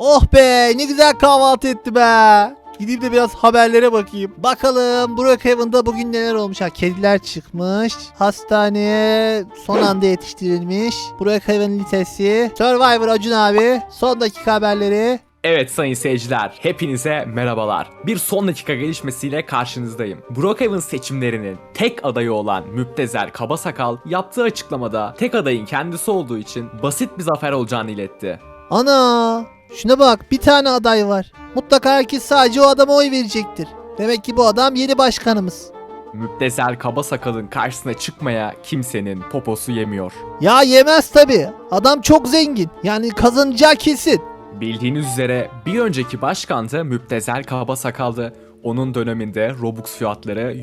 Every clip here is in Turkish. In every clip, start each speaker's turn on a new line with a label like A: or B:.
A: Oh be, ne güzel kahvaltı etti be. Gideyim de biraz haberlere bakayım. Bakalım Brookhaven'da bugün neler olmuş. Ha, kediler çıkmış. Hastaneye son anda yetiştirilmiş. Brookhaven Lisesi. Survivor Acun abi. Son dakika haberleri.
B: Evet sayın seyirciler, hepinize merhabalar. Bir son dakika gelişmesiyle karşınızdayım. Brookhaven seçimlerinin tek adayı olan Müptezel Kabasakal yaptığı açıklamada tek adayın kendisi olduğu için basit bir zafer olacağını iletti.
A: Ana! Şuna bak, bir tane aday var. Mutlaka herkes sadece o adama oy verecektir. Demek ki bu adam yeni başkanımız.
B: Müptezel Kabasakal'ın karşısına çıkmaya kimsenin poposu yemiyor.
A: Ya yemez tabi. Adam çok zengin. Yani kazanacağı kesin.
B: Bildiğiniz üzere bir önceki başkan da Müptezel Kabasakal'dı. Onun döneminde Robux fiyatları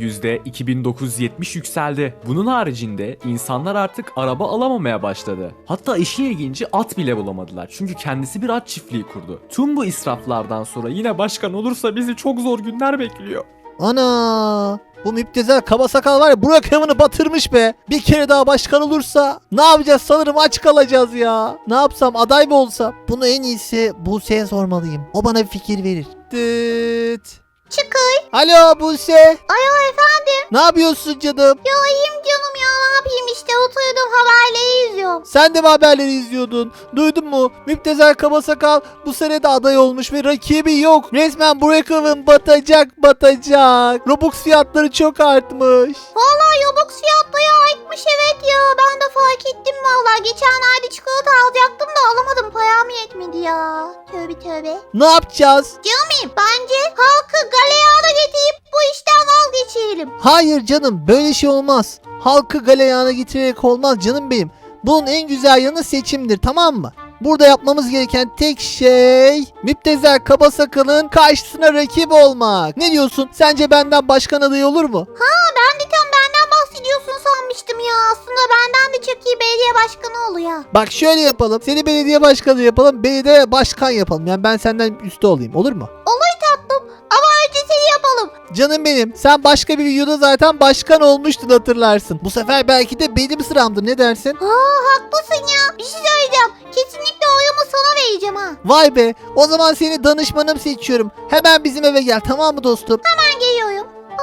B: %2970 yükseldi. Bunun haricinde insanlar artık araba alamamaya başladı. Hatta işin ilginci at bile bulamadılar. Çünkü kendisi bir at çiftliği kurdu. Tüm bu israflardan sonra yine başkan olursa bizi çok zor günler bekliyor.
A: Ana! Bu Müptezel Kabasakal var ya, Brookhaven'ı batırmış be. Bir kere daha başkan olursa ne yapacağız, sanırım aç kalacağız ya. Ne yapsam, aday mı olsam? Bunu en iyisi Buse'ye sormalıyım. O bana bir fikir verir. Dıt.
C: Çıkay.
A: Alo Buse.
C: Alo efendim.
A: Ne yapıyorsun canım?
C: Ya iyiyim canım ya, ne yapayım işte, oturdum haberleri izliyorum.
A: Sen de mi haberleri izliyordun? Duydun mu? Müptezel Kabasakal bu sene de aday olmuş ve rakibi yok. Resmen Brookhaven batacak. Robux fiyatları çok artmış.
C: Vallahi Robux fiyatları artmış, evet ya, ben de fark ettim vallahi. Geçenlerde çikolata alacaktım da alamadım, param yetmedi ya. Tövbe tövbe.
A: Ne yapacağız?
C: Canım bence halkı galeyana getirip bu işten vazgeçelim.
A: Hayır canım, böyle şey olmaz. Halkı galeyana getirerek olmaz canım benim. Bunun en güzel yanı seçimdir, tamam mı? Burada yapmamız gereken tek şey Müptezel Kabasakal'ın karşısına rakip olmak. Ne diyorsun? Sence benden başkan adayı olur mu?
C: Ben de tam benden bahsediyorsun sanmıştım ya. Aslında benden de çok iyi belediye başkanı oluyor.
A: Bak şöyle yapalım. Seni belediye başkanı yapalım. Beni de başkan yapalım. Yani ben senden üstte olayım. Olur mu?
C: Olur tatlım ama önce seni yapalım.
A: Canım benim. Sen başka bir videoda zaten başkan olmuştun, hatırlarsın. Bu sefer belki de benim sıramdır. Ne dersin?
C: Haklısın ya. Bir şey söyleyeceğim. Kesinlikle oyumu sana vereceğim ha.
A: Vay be. O zaman seni danışmanım seçiyorum. Hemen bizim eve gel, tamam mı dostum?
C: Ben geliyorum.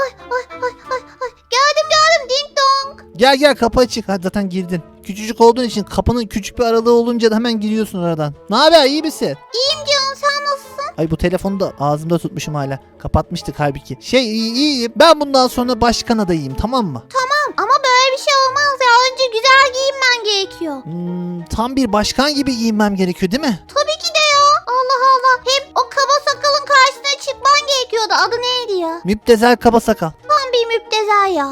C: Ay. Geldim ding dong.
A: Gel kapı açık. Hadi zaten girdin. Küçücük olduğun için kapının küçük bir aralığı olunca da hemen giriyorsun aradan. Ne haber, iyi misin?
C: İyiyim canım, sen nasılsın?
A: Ay, bu telefonu da ağzımda tutmuşum hala. Kapatmıştık halbuki. İyiyim. Ben bundan sonra başkan adayıyım, tamam mı?
C: Ama böyle bir şey olmaz ya. Önce güzel giyinmen gerekiyor.
A: Tam bir başkan gibi giyinmem gerekiyor değil mi?
C: Tabii ki de ya. Allah Allah. Hem o kaba sakalın karşısına çıkman gerekiyordu. Adı neydi ya?
A: Müptezel Kabasakal.
C: Tam bir müptezel ya.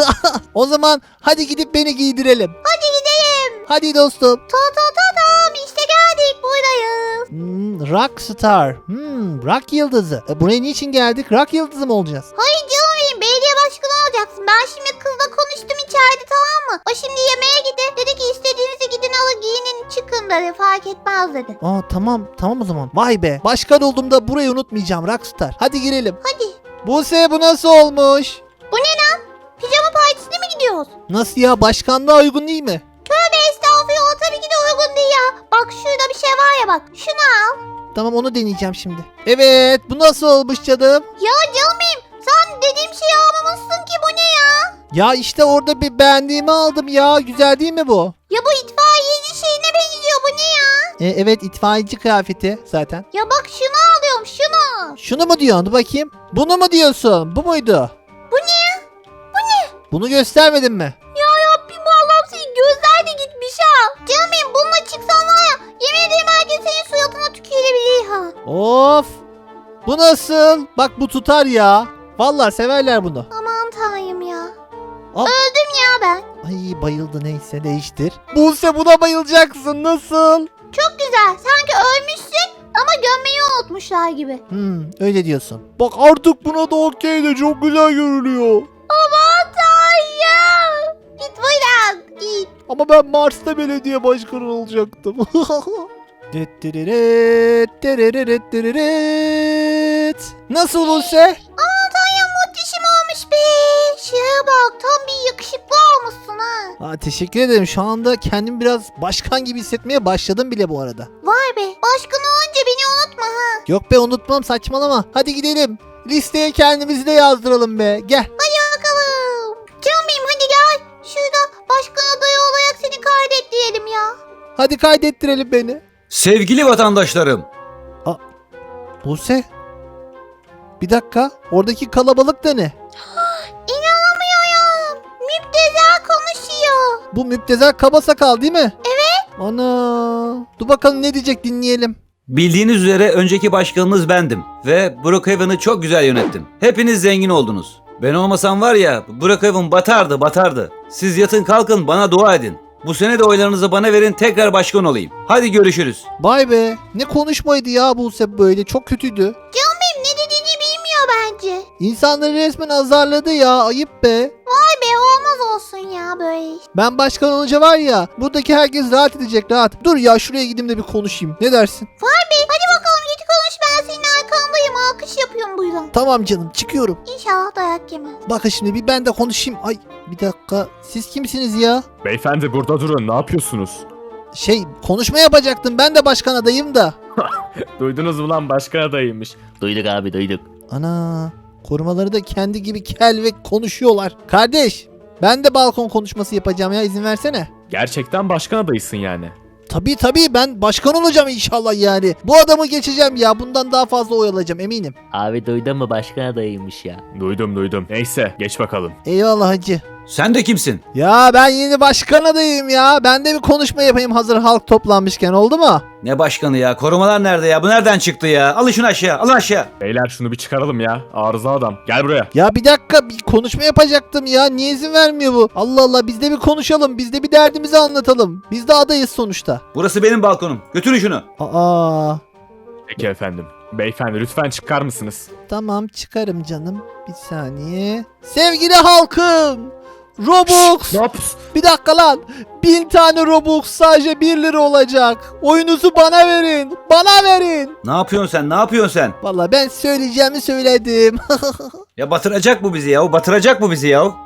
A: O zaman hadi gidip beni giydirelim.
C: Hadi gidelim.
A: Hadi dostum.
C: Tam işte geldik, buradayız.
A: Rockstar. Rock yıldızı. Buraya niçin geldik? Rock yıldızı mı olacağız?
C: Hayır canım benim, belediye başkanı olacaksın. Ben şimdi kızla konuştum içeride, tamam mı? O şimdi yemeğe gitti. Dedi ki istediğinizi gidin alın, giyinin çıkın dedi. Fark etmez dedi.
A: Tamam o zaman. Vay be. Başkan olduğumda burayı unutmayacağım Rockstar. Hadi girelim.
C: Hadi.
A: Buse, bu nasıl olmuş?
C: Bu ne lan? Pijama partisine mi gidiyoruz?
A: Nasıl ya? Başkanlığa uygun değil mi?
C: Tövbe estağfurullah, tabii ki de uygun değil ya. Bak şurada bir şey var ya, bak. Şunu al.
A: Tamam, onu deneyeceğim şimdi. Evet, bu nasıl olmuş canım?
C: Ya canım benim, sen dediğim şeyi almamışsın ki, bu ne ya?
A: Ya işte orada bir beğendiğimi aldım ya. Güzel değil mi bu?
C: Ya bu itfaiyeci şeyine benziyor, bu ne ya?
A: Evet, itfaiyeci kıyafeti zaten.
C: Ya bak şunu alıyorum, şunu.
A: Şunu mu diyorsun? Dur bakayım. Bunu mu diyorsun? Bu muydu?
C: Bu ne?
A: Bunu göstermedin mi?
C: Ya Rabbim, Allah'ım, senin gözler de gitmiş ha. Canım benim, bununla çıksan var ya, yemin ederim herkes senin suratına tükürebilir ha.
A: Of! Bu nasıl? Bak, bu tutar ya. Vallahi severler bunu.
C: Aman tanrım ya.
A: Al.
C: Öldüm ya ben.
A: Ay, bayıldı, neyse, değiştir. Buse, buna bayılacaksın. Nasıl?
C: Çok güzel, sanki ölmüşsün ama gömmeyi unutmuşlar gibi.
A: Öyle diyorsun. Bak, artık buna da okey de çok güzel görünüyor.
C: Aman tanrım. Git buradan, git.
A: Ama ben Mars'ta belediye başkanı olacaktım. Nasıl Buse?
C: Aman tanrım, muhteşem olmuş be. Şuraya bak, tam bir yakışıklı olmuşsun ha.
A: Teşekkür ederim. Şu anda kendimi biraz başkan gibi hissetmeye başladım bile bu arada.
C: Vay be, başkan olunca beni unutma
A: Yok be unutmam saçmalama. Hadi gidelim. Listeye kendimizi de yazdıralım be. Gel.
C: Bakalım. Canım benim hadi gel. Şurada başkan adayı olarak seni kaydet diyelim ya.
A: Hadi kaydettirelim beni.
D: Sevgili vatandaşlarım,
A: Buse. Bir dakika. Oradaki kalabalık da ne?
C: İnanamıyorum. Müptezel konuşuyor.
A: Bu müptezel kaba sakal değil mi? Evet. Ana. Dur bakalım ne diyecek dinleyelim.
D: bildiğiniz üzere önceki başkanınız bendim ve Brookhaven'ı çok güzel yönettim. Hepiniz zengin oldunuz. Ben olmasam var ya, Brookhaven batardı. Siz yatın kalkın bana dua edin. Bu sene de oylarınızı bana verin, tekrar başkan olayım. Hadi görüşürüz.
A: Vay be. Ne konuşmaydı ya Buse böyle. Çok kötüydü.
C: Canım benim ne dediğini bilmiyor bence.
A: İnsanları resmen azarladı ya. Ayıp be.
C: Vay be olmaz olsun ya böyle iş.
A: Ben başkan olunca var ya. Buradaki herkes rahat edecek rahat. Dur ya şuraya gideyim de bir konuşayım. Ne dersin?
C: Vay be hadi bakalım git konuş ben senin arkandayım. Alkış yapıyorum buyurun.
A: Tamam canım çıkıyorum.
C: İnşallah dayak yemez.
A: Bakın şimdi bir ben de konuşayım. Ay bir dakika. Siz kimsiniz ya?
B: Beyefendi burada durun, ne yapıyorsunuz?
A: Konuşma yapacaktım. Ben de başkan adayım da.
B: Duydunuz mu lan, başkan adayıymış.
E: Duyduk abi duyduk.
A: Ana. Korumaları da kendi gibi kel ve konuşuyorlar. Kardeş. Ben de balkon konuşması yapacağım ya. İzin versene.
B: Gerçekten başkan adayısın yani.
A: Tabii ben başkan olacağım inşallah yani. Bu adamı geçeceğim ya. Bundan daha fazla oy alacağım eminim.
E: Abi duydun mu başkan adayıymış ya.
B: Duydum. Neyse geç bakalım.
A: Eyvallah hacı.
D: Sen de kimsin?
A: Ya ben yeni başkan adayım ya. Ben de bir konuşma yapayım hazır halk toplanmışken oldu mu?
D: Ne başkanı ya? Korumalar nerede ya? Bu nereden çıktı ya? Alın şunu aşağı, alın aşağı.
B: Beyler şunu bir çıkaralım ya. Arıza adam. Gel buraya.
A: Ya bir dakika bir konuşma yapacaktım ya. Niye izin vermiyor bu? Allah Allah biz de bir konuşalım. Biz de bir derdimizi anlatalım. Biz de adayız sonuçta.
D: Burası benim balkonum. Götürün şunu.
A: Aa
B: Peki efendim. Beyefendi lütfen çıkar mısınız?
A: tamam çıkarım canım. Bir saniye. Sevgili halkım. Robux.
B: Ne yapıyorsun?
A: Bir dakika lan. 1000 tane Robux sadece 1 lira olacak. Oyunuzu bana verin. Bana verin.
D: Ne yapıyorsun sen? Ne yapıyorsun sen?
A: Vallahi ben söyleyeceğimi söyledim.
D: Ya batıracak bu bizi ya. Batıracak bu bizi ya.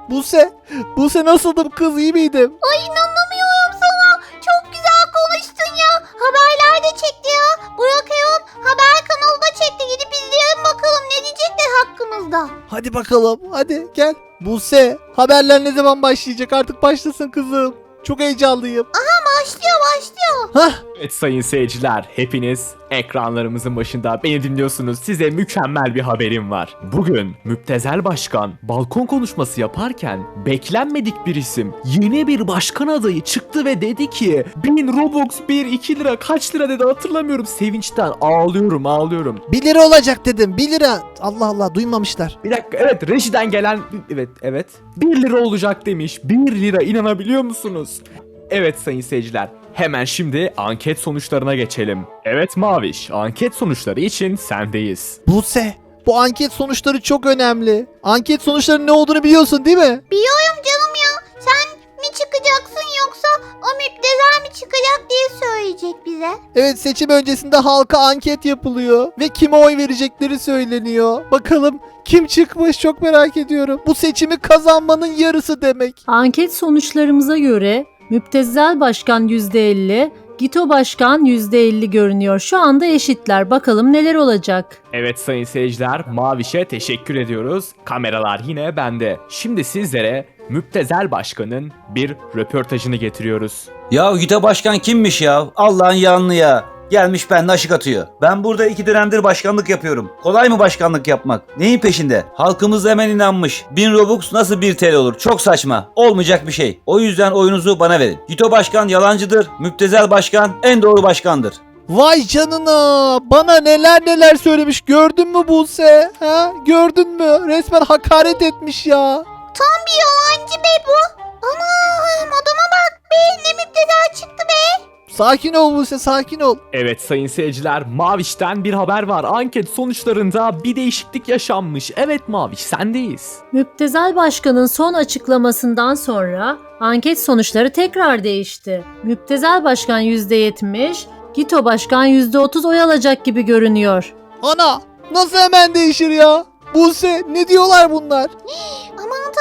A: Buse nasıldım kız iyi miydim?
C: Ay inanamıyorum sana. Çok güzel konuştun ya. Haberlerde çekti ya. Burak Eon haber kanalı da çekti. Gidip izleyelim bakalım ne diyecekler hakkımızda.
A: Hadi bakalım hadi gel. Buse haberler ne zaman başlayacak artık başlasın kızım. Çok heyecanlıyım.
C: Başlıyor.
A: Hah
B: Evet sayın seyirciler, hepiniz ekranlarımızın başında beni dinliyorsunuz. Size mükemmel bir haberim var. Bugün Müptezel Başkan balkon konuşması yaparken beklenmedik bir isim, yeni bir başkan adayı çıktı ve dedi ki 1000 Robux 2 lira kaç lira dedi hatırlamıyorum, sevinçten ağlıyorum.
A: 1 lira olacak dedim 1 lira. Allah Allah duymamışlar.
B: Bir dakika, evet rejiden gelen evet 1 lira olacak demiş. 1 lira, inanabiliyor musunuz? Evet sayın seyirciler, hemen şimdi anket sonuçlarına geçelim. Evet Maviş, anket sonuçları için sendeyiz.
A: Buse bu anket sonuçları çok önemli. Anket sonuçlarının ne olduğunu biliyorsun değil mi?
C: Biliyorum canım ya. Sen mi çıkacaksın yoksa o müptezel mi çıkacak diye söyleyecek bize.
A: Evet seçim öncesinde halka anket yapılıyor ve kime oy verecekleri söyleniyor. Bakalım kim çıkmış çok merak ediyorum. Bu seçimi kazanmanın yarısı demek.
F: Anket sonuçlarımıza göre Müptezel Başkan %50, Gito Başkan %50 görünüyor. Şu anda eşitler. Bakalım neler olacak.
B: Evet sayın seyirciler, Maviş'e teşekkür ediyoruz. Kameralar yine bende. Şimdi sizlere Müptezel Başkan'ın bir röportajını getiriyoruz.
D: Ya Güte Başkan kimmiş ya? Allah'ın yanlı ya. Gelmiş bende aşık atıyor. Ben burada 2 dönemdir başkanlık yapıyorum. Kolay mı başkanlık yapmak? Neyin peşinde? Halkımız hemen inanmış. 1000 Robux nasıl 1 TL olur? Çok saçma. Olmayacak bir şey. O yüzden oyunuzu bana verin. Güto Başkan yalancıdır. Müptezel Başkan en doğru başkandır.
A: Vay canına bana neler söylemiş gördün mü Buse? Ha? Gördün mü? Resmen hakaret etmiş ya.
C: Tam bir yalancı be bu. Anam adama bak be ne müptezel çıktı be.
A: Sakin ol Buse sakin ol.
B: Evet sayın seyirciler, Maviş'ten bir haber var. Anket sonuçlarında bir değişiklik yaşanmış. Evet Maviş, sendeyiz.
F: Müptezel Başkan'ın son açıklamasından sonra anket sonuçları tekrar değişti. Müptezel Başkan %70, Gito Başkan %30 oy alacak gibi görünüyor.
A: Ana nasıl hemen değişir ya? Buse ne diyorlar bunlar?
C: Aman tanrım ya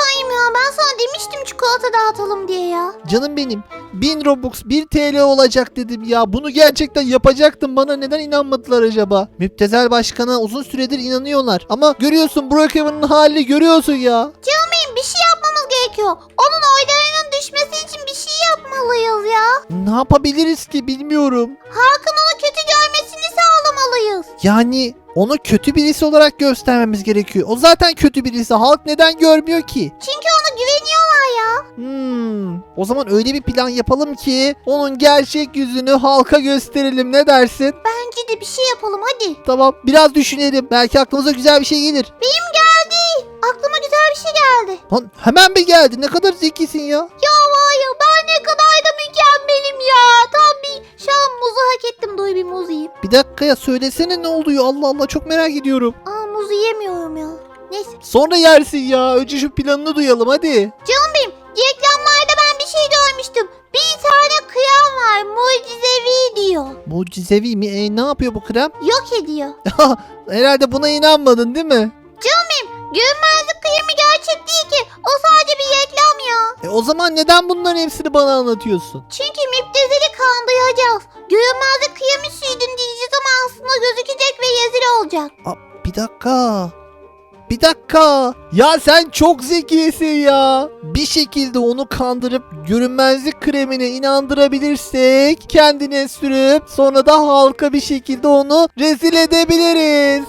C: ben sana demiştim çikolata dağıtalım diye ya.
A: Canım benim 1000 Robux 1 TL olacak dedim ya. Bunu gerçekten yapacaktım. Bana neden inanmadılar acaba? Müptezel başkana uzun süredir inanıyorlar. Ama görüyorsun Brookhaven'ın halini görüyorsun ya.
C: Bir şey yapmamız gerekiyor. Onun oylarının düşmesi için bir şey yapmalıyız ya.
A: Ne yapabiliriz ki bilmiyorum.
C: Halkın onu kötü görmesini sağlamalıyız.
A: Yani onu kötü birisi olarak göstermemiz gerekiyor. O zaten kötü birisi. Halk neden görmüyor ki?
C: Çünkü ona güveniyorlar ya.
A: O zaman öyle bir plan yapalım ki onun gerçek yüzünü halka gösterelim. Ne dersin?
C: Bence de bir şey yapalım hadi.
A: Tamam, biraz düşünelim. Belki aklımıza güzel bir şey gelir.
C: Benim geldi. Aklıma güzel bir şey geldi.
A: Lan hemen bir geldi. Ne kadar zekisin ya.
C: Ya var ya ben ne kadar da mükemmelim ya. Tam bir şu an muzu hak ettim. Doy bir muz yiyeyim.
A: Bir dakika ya, söylesene ne oluyor? Allah Allah, çok merak ediyorum.
C: Aa muzu yemiyorum ya. Neyse.
A: Sonra yersin ya. Önce şu planını duyalım hadi.
C: Canım benim reklamlarda ben bir şey görmüştüm. Bir tane krem var mucizevi diyor.
A: Mucizevi mi? Ne yapıyor bu krem?
C: Yok ediyor.
A: Herhalde buna inanmadın değil mi?
C: Görünmezlik kremi gerçek değil ki. O sadece bir reklam ya.
A: O zaman neden bunların hepsini bana anlatıyorsun?
C: Çünkü müptezeli kandıracağız. Görünmezlik kremi sürdün diyeceğiz ama aslında gözükecek ve rezil olacak.
A: Bir dakika. Bir dakika. Ya sen çok zekisin ya. Bir şekilde onu kandırıp görünmezlik kremine inandırabilirsek kendine sürüp sonra da halka bir şekilde onu rezil edebiliriz.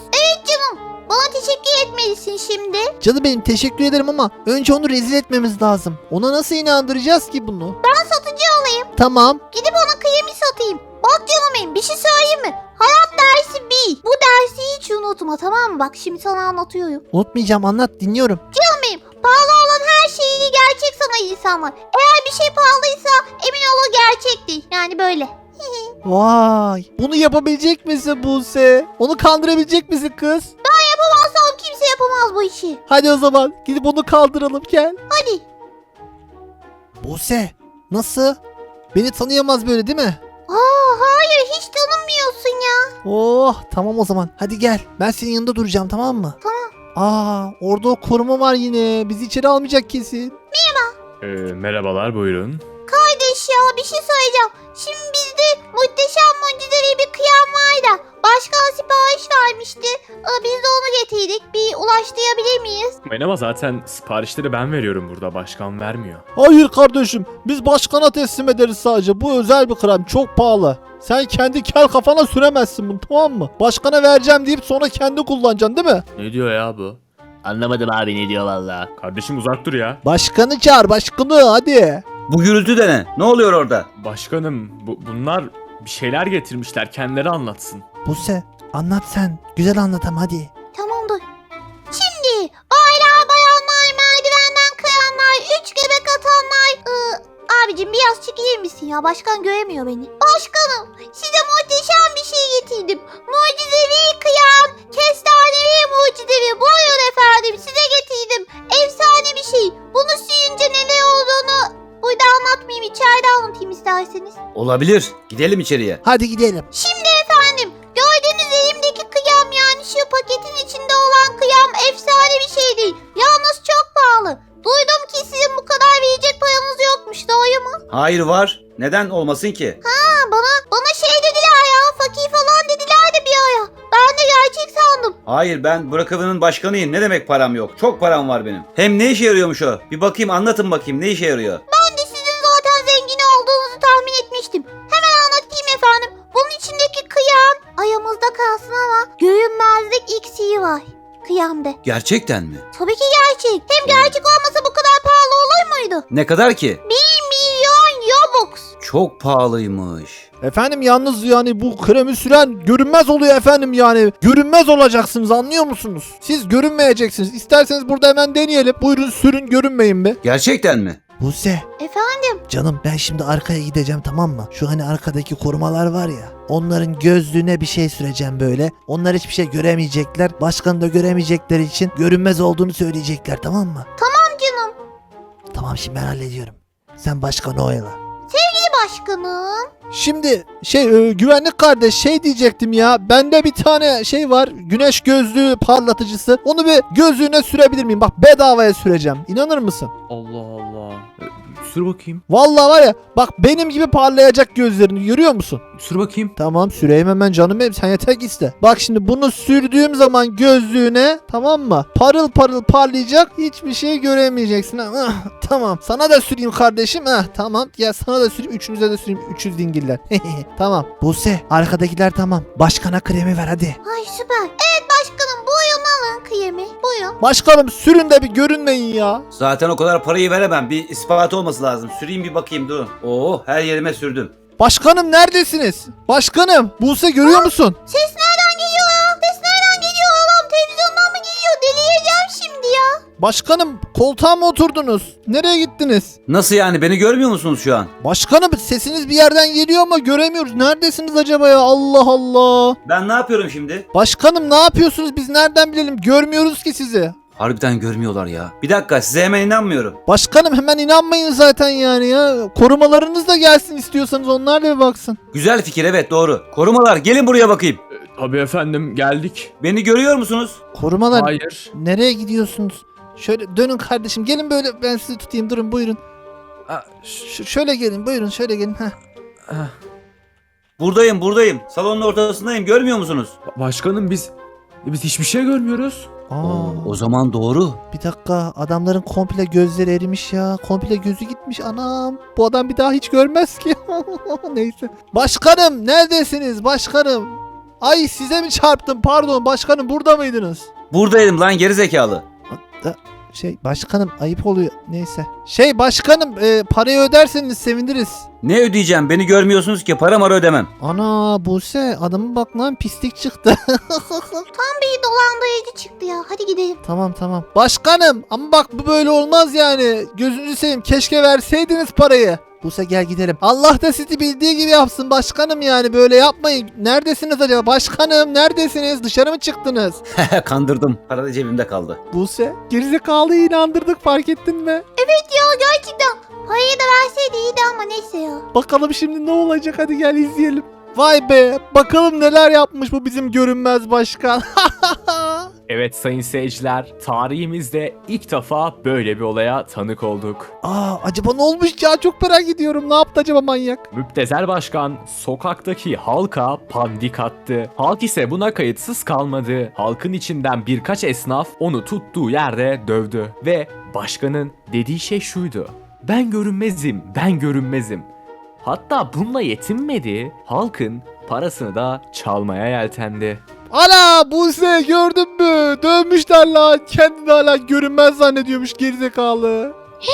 C: Bana teşekkür etmelisin şimdi.
A: Canım benim, teşekkür ederim ama önce onu rezil etmemiz lazım. Ona nasıl inandıracağız ki bunu?
C: Ben satıcı olayım.
A: Tamam.
C: Gidip ona kremi satayım. Bak canım benim bir şey söyleyeyim mi? Hayat dersi bir. Bu dersi hiç unutma tamam mı? Bak şimdi sana anlatıyorum.
A: Unutmayacağım, anlat, dinliyorum.
C: Canım benim pahalı olan her şeyi gerçek sanan insanlar. Eğer bir şey pahalıysa emin ol o gerçek değil. Yani böyle.
A: Vay. Bunu yapabilecek misin Buse? Onu kandırabilecek misin kız?
C: Yapamazsam kimse yapamaz bu işi.
A: Hadi o zaman gidip onu kaldıralım, gel.
C: Hadi.
A: Buse nasıl? Beni tanıyamaz böyle değil mi?
C: Hayır hiç tanımıyorsun ya.
A: Oh tamam o zaman, hadi gel. Ben senin yanında duracağım, tamam mı?
C: Tamam.
A: Orada o koruma var yine. Bizi içeri almayacak kesin.
B: Merhabalar, buyurun.
C: Kardeş ya bir şey söyleyeceğim. Şimdi bizde muhteşem mucizevi bir kıyam var da başkan sipariş vermişti. Biz de onu getirdik. Bir ulaştırabilir miyiz?
B: Ama zaten siparişleri ben veriyorum burada, başkan vermiyor.
A: Hayır kardeşim, biz başkana teslim ederiz sadece. Bu özel bir krem, çok pahalı. Sen kendi kel kafana süremezsin bunu, tamam mı? Başkana vereceğim deyip sonra kendi kullanacaksın değil mi?
B: Ne diyor ya bu?
E: Anlamadım abi ne diyor valla.
B: Kardeşim uzak dur ya.
A: Başkanı çağır, başkanı hadi.
D: Bu gürültü de ne? Ne oluyor orada?
B: Başkanım bunlar bir şeyler getirmişler, kendileri anlatsın.
A: Buse anlat sen. Güzel anlat ama hadi.
C: Tamamdır. Şimdi baylar bayanlar merdivenden kayanlar 3 göbek atanlar. Abicim biraz çekilir misin ya? Başkan göremiyor beni. Başkanım size muhteşem bir şey getirdim. Mucizevi kıyam. Kestanevi mucizevi. Buyurun efendim size getirdim. Efsane bir şey. Bunu suyunca neler olduğunu burada anlatmayayım. İçeride anlatayım isterseniz.
D: Olabilir. Gidelim içeriye.
A: Hadi gidelim.
C: Şimdi efendim gördüğünüz elimdeki kıyam yani şu paketin içinde olan kıyam efsane bir şey değil. Yalnız çok pahalı. Duydum ki sizin bu kadar verecek paranız yokmuş, doğru mu?
D: Hayır var. Neden olmasın ki?
C: Bana şey dediler ya, fakir falan dediler de bir ara. Ben de gerçek sandım.
D: Hayır, ben Brookhaven'ın başkanıyım. Ne demek param yok? Çok param var benim. Hem ne işe yarıyormuş o? Bir bakayım, anlatın bakayım ne işe yarıyor?
C: Ben de sizin zaten zengin olduğunuzu tahmin etmiştim. Hemen anlatayım efendim. Bunun içindeki kıyam ayağımızda kalsın ama görünmezlik iksiri var kıyamda.
D: Gerçekten mi?
C: Tabii ki gerçek. Hem gerçek olmasa bu kadar pahalı olur muydu?
D: Ne kadar ki?
C: 1 milyon Robux.
D: Çok pahalıymış.
A: Efendim yalnız yani bu kremi süren görünmez oluyor efendim yani. Görünmez olacaksınız, anlıyor musunuz? Siz görünmeyeceksiniz. İsterseniz burada hemen deneyelim. Buyurun sürün, görünmeyin be.
D: Gerçekten mi?
A: Buse
C: Efendim?
A: canım, ben şimdi arkaya gideceğim, tamam mı? Şu hani arkadaki korumalar var ya. Onların gözlüğüne bir şey süreceğim böyle. Onlar hiçbir şey göremeyecekler. Başkanı da göremeyecekleri için görünmez olduğunu söyleyecekler, tamam mı?
C: Tamam canım.
A: Tamam, şimdi ben hallediyorum. Sen başkanı oyala.
C: Sevgili başkanım.
A: Şimdi güvenlik kardeş diyecektim ya. Bende bir tane var. Güneş gözlüğü parlatıcısı. Onu bir gözlüğüne sürebilir miyim? Bak bedavaya süreceğim. İnanır mısın?
B: Allah Allah. Sür bakayım.
A: Vallahi var ya bak benim gibi parlayacak gözlerini görüyor musun?
B: Sür bakayım.
A: Tamam süreyim hemen canım benim, sen yeter ki iste. Bak şimdi bunu sürdüğüm zaman gözlüğüne, tamam mı? Parıl parıl parlayacak, hiçbir şey göremeyeceksin. Tamam sana da süreyim kardeşim. Tamam ya, sana da süreyim, üçünüze de süreyim, 300 dingiller. Tamam Buse, arkadakiler tamam. Başkana kremi ver hadi.
C: Ay süper. Evet başkanım, buyurun alın kremi. Buyurun.
A: Başkanım sürün de bir görünmeyin ya.
D: Zaten o kadar parayı veremem. Bir ispatı olması lazım. Süreyim bir bakayım durun. Oo, her yerime sürdüm.
A: Başkanım neredesiniz? Başkanım Buse görüyor musun?
C: Ses nereden geliyor ya? Ses nereden geliyor oğlum? Televizyondan mı geliyor? Delireceğim şimdi ya.
A: Başkanım koltuğa mı oturdunuz? Nereye gittiniz?
D: Nasıl yani, beni görmüyor musunuz şu an?
A: Başkanım sesiniz bir yerden geliyor ama göremiyoruz. Neredesiniz acaba ya? Allah Allah.
D: Ben ne yapıyorum şimdi?
A: Başkanım ne yapıyorsunuz? Biz nereden bilelim? Görmüyoruz ki sizi.
D: Harbiden görmüyorlar ya. Bir dakika, size hemen inanmıyorum.
A: Başkanım hemen inanmayın zaten yani ya. Korumalarınız da gelsin istiyorsanız, onlar da bir baksın.
D: Güzel fikir, evet doğru. Korumalar gelin buraya bakayım.
B: Tabii efendim, geldik.
D: Beni görüyor musunuz?
A: Korumalar
B: Hayır.
A: nereye gidiyorsunuz? Şöyle dönün kardeşim, gelin böyle, ben sizi tutayım, durun buyurun. Şöyle gelin, buyurun şöyle gelin.
D: Buradayım. Salonun ortasındayım. Görmüyor musunuz?
B: Başkanım biz hiçbir şey görmüyoruz.
D: O zaman doğru.
A: Bir dakika, adamların komple gözleri erimiş ya. Komple gözü gitmiş, anam. Bu adam bir daha hiç görmez ki. Neyse. Başkanım neredesiniz başkanım? Ay size mi çarptım, pardon başkanım, burada mıydınız?
D: Buradaydım lan gerizekalı.
A: Başkanım ayıp oluyor, neyse. Başkanım parayı öderseniz seviniriz.
D: Ne ödeyeceğim? Beni görmüyorsunuz ki, para mara ödemem.
A: Ana Buse, adamın bak lan pislik çıktı.
C: Tam bir dolandırıcı çıktı ya. Hadi gidelim.
A: Tamam. Başkanım ama bak bu böyle olmaz yani. Gözünüzü seveyim, keşke verseydiniz parayı. Buse gel gidelim. Allah da sizi bildiği gibi yapsın başkanım, yani böyle yapmayın. Neredesiniz acaba? Başkanım neredesiniz? Dışarı mı çıktınız?
D: Kandırdım. Para da cebimde kaldı.
A: Buse gerizekalıyı inandırdık, fark ettin mi?
C: Evet ya, gerçekten. Parayı da verseydi iyiydi ama neyse ya.
A: Bakalım şimdi ne olacak, hadi gel izleyelim. Vay be, bakalım neler yapmış bu bizim görünmez başkan.
B: Evet sayın seyirciler, tarihimizde ilk defa böyle bir olaya tanık olduk.
A: Acaba ne olmuş ya, çok merak ediyorum. Ne yaptı acaba manyak?
B: Müptezel başkan sokaktaki halka pandik attı. Halk ise buna kayıtsız kalmadı. Halkın içinden birkaç esnaf onu tuttuğu yerde dövdü. Ve başkanın dediği şey şuydu: ben görünmezim. Hatta bununla yetinmedi, halkın parasını da çalmaya yeltendi.
A: Ana Buse gördün mü? Dövmüşler lan. Kendini hala görünmez zannediyormuş gerizekalı.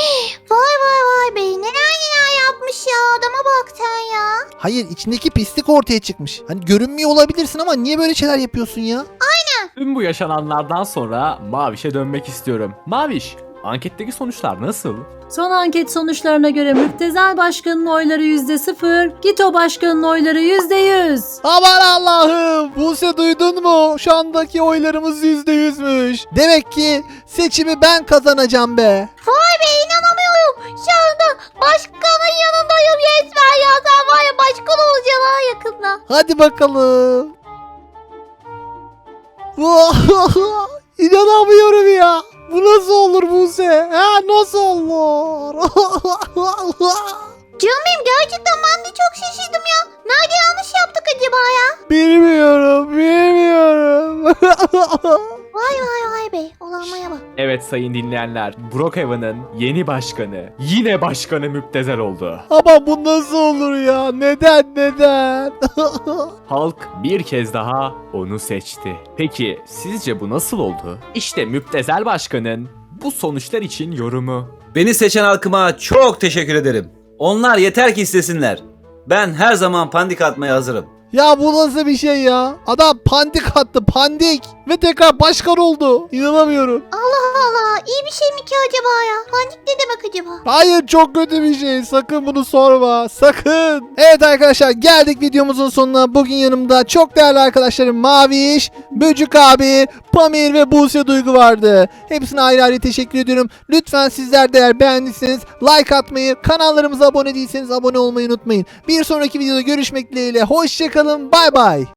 C: Vay be, neler yapmış ya. Adama bak sen ya.
A: Hayır, içindeki pislik ortaya çıkmış. Hani görünmüyor olabilirsin ama niye böyle şeyler yapıyorsun ya?
B: Tüm bu yaşananlardan sonra Maviş'e dönmek istiyorum. Maviş, anketteki sonuçlar nasıl?
F: Son anket sonuçlarına göre Müptezel Başkan'ın oyları %0, Gito Başkan'ın oyları %100.
A: Aman Allah'ım, Buse duydun mu? Şu andaki oylarımız %100'müş. Demek ki seçimi ben kazanacağım be.
C: Vay be, inanamıyorum. Şu anda başkanın yanındayım resmen ya. Sen var ya, başkan olacaksın ha yakında.
A: Hadi bakalım. İnanamıyorum ya. Bu nasıl olur Buse? Nasıl olur?
C: Canım benim, gerçekten ben de çok şaşırdım ya. Nerede yanlış yaptık acaba ya?
A: Bilmiyorum.
C: Vay be, olanmaya bak.
B: Evet sayın dinleyenler, Brookhaven'ın yeni başkanı, yine başkanı Müptezel oldu.
A: Ama bu nasıl olur ya? Neden?
B: Halk bir kez daha onu seçti. Peki sizce bu nasıl oldu? İşte Müptezel Başkan'ın bu sonuçlar için yorumu.
D: Beni seçen halkıma çok teşekkür ederim. Onlar yeter ki istesinler. Ben her zaman pandik atmaya hazırım.
A: Ya bu nasıl bir şey ya? Adam pandik attı, pandik. Ve tekrar başkan oldu. İnanamıyorum.
C: Allah Allah, iyi bir şey mi ki acaba ya? Panik ne demek acaba?
A: Hayır, çok kötü bir şey. Sakın bunu sorma. Sakın. Evet arkadaşlar, geldik videomuzun sonuna. Bugün yanımda çok değerli arkadaşlarım Maviş, Böcük abi, Pamir ve Buse Duygu vardı. Hepsine ayrı ayrı teşekkür ediyorum. Lütfen sizler de eğer beğendiyseniz like atmayı, kanallarımıza abone değilseniz abone olmayı unutmayın. Bir sonraki videoda görüşmek dileğiyle. Hoşçakalın. Bay bay.